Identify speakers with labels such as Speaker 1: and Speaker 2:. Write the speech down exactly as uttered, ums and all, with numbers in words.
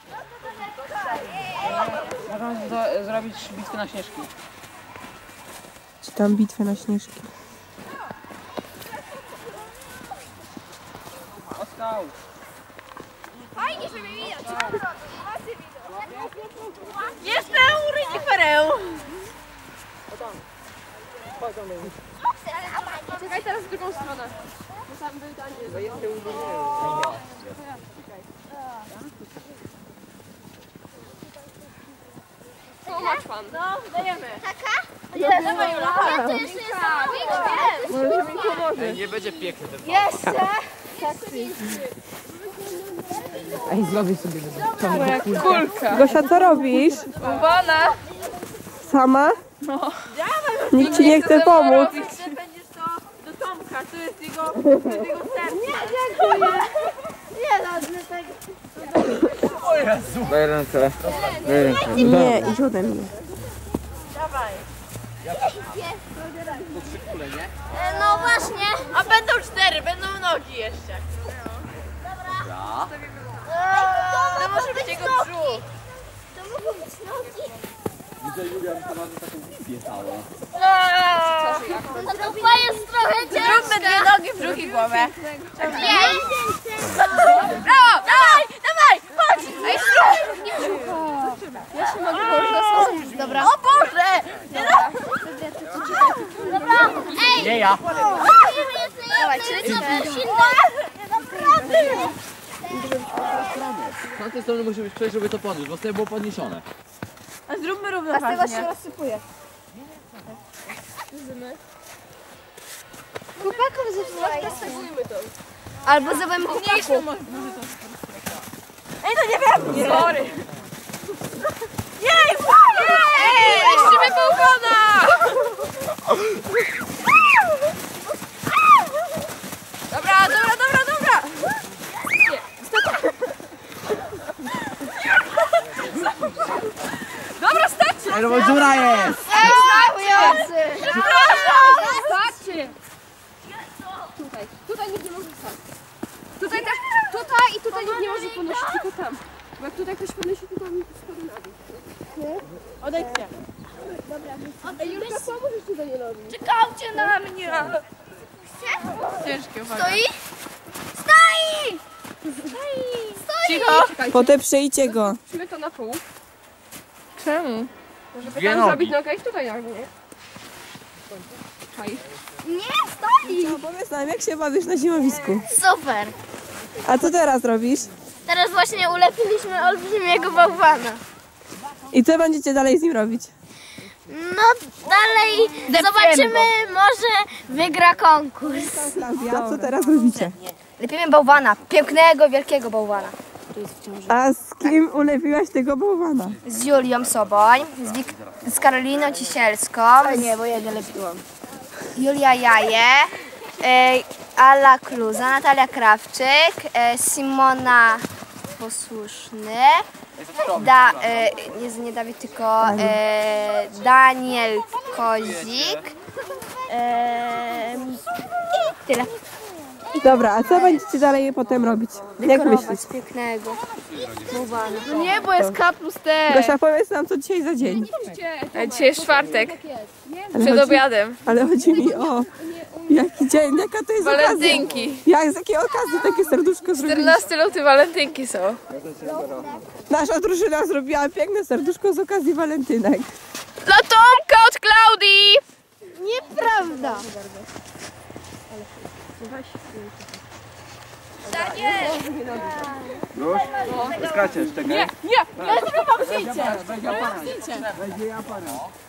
Speaker 1: Możemy do, zrobić bitwę na śnieżki.
Speaker 2: Czy tam bitwę na śnieżki?
Speaker 1: Ostał.
Speaker 3: Fajnie, żeby widać. Jestem reniferem. Czekaj teraz w drugą stronę. Bo tam był Daniel. Co masz pan? No, dajemy. Taka? Nie, dawaj Jula. Ja to jeszcze jest. Może mi pomoże.
Speaker 1: Nie będzie piękny ten
Speaker 3: Jeszcze.
Speaker 1: Ej, zrobię sobie
Speaker 2: Moja kulka. Gosia, co robisz?
Speaker 3: Bałwana.
Speaker 2: Sama? No. Nikt ci nie chce pomóc.
Speaker 3: Będziesz to do Tomka, to jest jego, to jest jego serce. Nie, dziękuję. Nie, no, dlatego.
Speaker 1: O Jezu. Daj ręce. Daj ręce.
Speaker 2: Nie, idź ode mnie.
Speaker 3: Dawaj.
Speaker 1: To trzy kule, nie?
Speaker 3: No właśnie. A będą cztery, będą nogi jeszcze.
Speaker 1: Dobra.
Speaker 3: To może być jego brzuch. To mogą być nogi.
Speaker 1: Widzę, Julia, że to ma taką wizję całą.
Speaker 3: No to chyba jest trochę ciężkie. Zróbmy dwie nogi, brzuch i głowę. Nie. Brawo, dawaj, dawaj, chodź. Ej, ja się mogę położyć. Dobra. O Boże. Dobra, ej.
Speaker 1: Nie ja.
Speaker 3: Dawaj, lecimy.
Speaker 1: Z tamtej strony musi być przejść, żeby to podnieść, bo z tej było podniesione.
Speaker 3: A zróbmy równoważnie. A z tego się rozsypuje. Chłopakom zepsułaj. to. Albo zrobimy chłopaku. Ej, to nie wiem! Sorry. Jej, fajnie! Ej, niszczymy bałwana! Dobra, dobra, dobra, dobra! Dobra, starczy!
Speaker 1: Ej, no bo dziura jest!
Speaker 3: Ej, starczy! Przepraszam! Starczy! Tutaj, tutaj nikt nie może stać. Tutaj też, tutaj i tutaj nikt nie może ponosić, tylko tam. Bo jak tutaj ktoś ponosi, to tam spadł na dół. Nie? Odejdźcie. Dobra. Ej, Julka, pomóżesz tutaj nie robić. Czekajcie na mnie! Ciężkie, uwaga. Stoi? Stoi! Stoi! Stoi! Cicho!
Speaker 2: Potem przyjdzie go.
Speaker 3: Musimy to na pół. Czemu? Może
Speaker 1: Dwie
Speaker 3: tam
Speaker 1: nogi.
Speaker 3: zrobić nogę i tutaj nogę, nie? Czaj.
Speaker 4: Nie, stoi!
Speaker 2: No, powiedz nam, jak się bawisz na zimowisku?
Speaker 4: Super!
Speaker 2: A co teraz robisz?
Speaker 4: Teraz właśnie ulepiliśmy olbrzymiego bałwana.
Speaker 2: I co będziecie dalej z nim robić?
Speaker 4: No dalej zobaczymy, może wygra konkurs.
Speaker 2: A co teraz robicie?
Speaker 4: Lepimy bałwana, pięknego, wielkiego bałwana.
Speaker 2: A z kim ulepiłaś tego bałwana?
Speaker 4: Z Julią Soboń, z, Wik z Karoliną Cisielską. Nie, bo ja nie lepiłam. Julia Jaje, e, Ala Kluza, Natalia Krawczyk, e, Simona Posłuszny, da, e, nie, nie Dawid, tylko e, Daniel Kozik. E, I tyle.
Speaker 2: Dobra, a co będziecie dalej potem robić? Jak myślisz?
Speaker 4: Pięknego bałwana.
Speaker 3: No nie, bo jest K plus T.
Speaker 2: Gosia, powiedz nam, co dzisiaj za dzień.
Speaker 3: Dzisiaj jest czwartek.
Speaker 2: Ale
Speaker 3: Przed
Speaker 2: chodzi,
Speaker 3: obiadem.
Speaker 2: ale chodzi mi o jaki dzień, jaka to jest
Speaker 3: Walentynki.
Speaker 2: okazja. Jak, z jakiej okazji takie serduszko zrobiliście?
Speaker 3: czternasty luty walentynki są.
Speaker 2: Nasza drużyna zrobiła piękne serduszko z okazji walentynek.
Speaker 3: Dla Tomka od Klaudii!
Speaker 4: Nieprawda.
Speaker 1: Już? Skaczesz, czekaj.
Speaker 3: Nie, nie, ja zrobię wam zdjęcie.
Speaker 1: Weź aparat. Weź aparat.